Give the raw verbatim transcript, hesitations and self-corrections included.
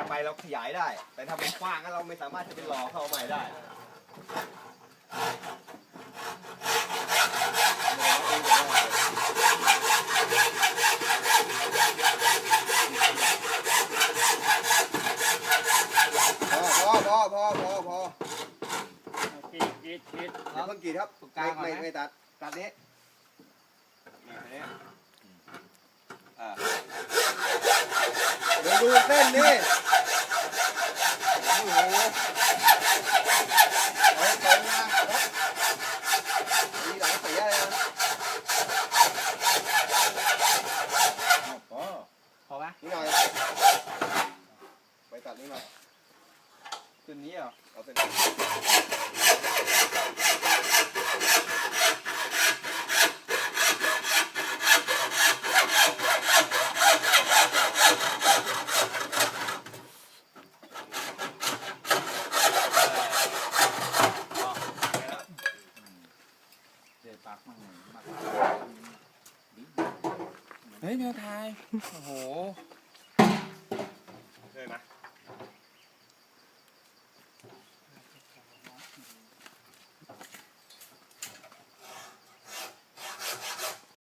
ไปเราขยายได้ แต่ถ้ามันกว้างก็เราไม่สามารถจะไปหล่อเข้าใหม่ได้พอพอพอพอพอกีดกีดกีดเดี๋ยวเพิ่งกีดครับไม่ไม่ตัดตัดนี้นี่อ่าเดี๋ยวดูเส้นนี่โอ้โหเฮ้ยตรงนะมีหลายสีอะไรนะพอพอไหมนี่หน่อยไปตัดนี่หน่อยเส้นนี้เหรอเอาเส้นนี้เฮ้ยแมวไทยโอ้โหเลยนะ